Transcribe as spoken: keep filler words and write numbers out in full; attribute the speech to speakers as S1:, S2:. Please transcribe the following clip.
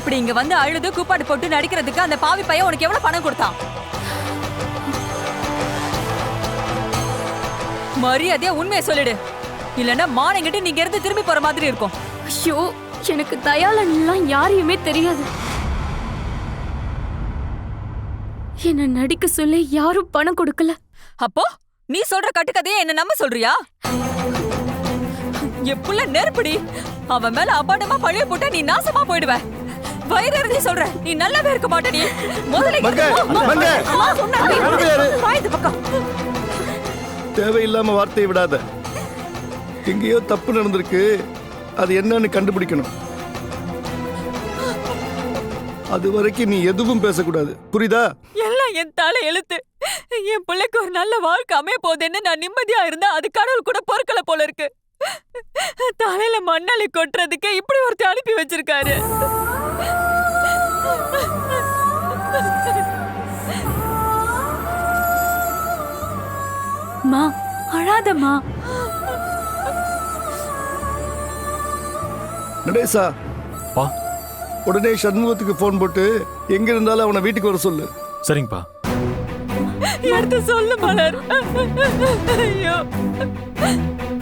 S1: இப்படி இங்க வந்து அழுது கூப்பாடு போட்டு நடிக்கிறதுக்கு அந்த பாவி பையன் உனக்கு எவ்வளவு பணம் கொடுத்தான்? மரியாதையா உண்மையை சொல்லிடு, இல்லன்னா மானங்கிட்டு நீங்க இருந்து திரும்பி போற மாதிரி இருக்கும்.
S2: ஐயோ, எனக்கு தயாளன்லாம் யாரையுமே தெரியாது. என்ன நடிக்க சொல்லி யாரும் பணம் கொடுக்கல.
S1: அப்போ நீ சொல்ற கட்டுக்கதையை என்ன நம்ப சொல்றியா? எப்புள்ள நெருப்படி, அவன் மேல அபாண்டமா பழிய போட்டா நீ நாசமா போயிடுவ. வயிறு எறிஞ்சி சொல்ற, நீ நல்லாவே இருக்க மாட்ட. நீ முதல்ல
S3: தேவையில்லாம வார்த்தையை விடாத. எங்கேயோ தப்பு நடந்திருக்கு, அது என்னன்னு கண்டுபிடிக்கணும். அது வரைக்கும் நீ எதுவும் பேசக்கூடாது, புரியுதா?
S1: எல்லாம் என் தலை எழுத்து. என் பிள்ளைக்கு ஒரு நல்ல வாழ்க்கை அமைய போகுதுன்னு நான் நிம்மதியா இருந்தா அது கடவுள் கூட பொறுக்கல போல இருக்கு. தலையில மண்ணாளி கொட்டுறதுக்கு இப்படி ஒருத்தர் அனுப்பி வச்சிருக்காரு.
S2: மா, அழாதம்மா.
S3: நடேசா,
S4: பா,
S3: உடனே சண்முகத்துக்கு போன் போட்டு எங்க இருந்தாலும் அவனை வீட்டுக்கு வர சொல்லு.
S4: சரிங்கப்பா.
S1: எடுத்து சொல்லு மலர். ஐயோ.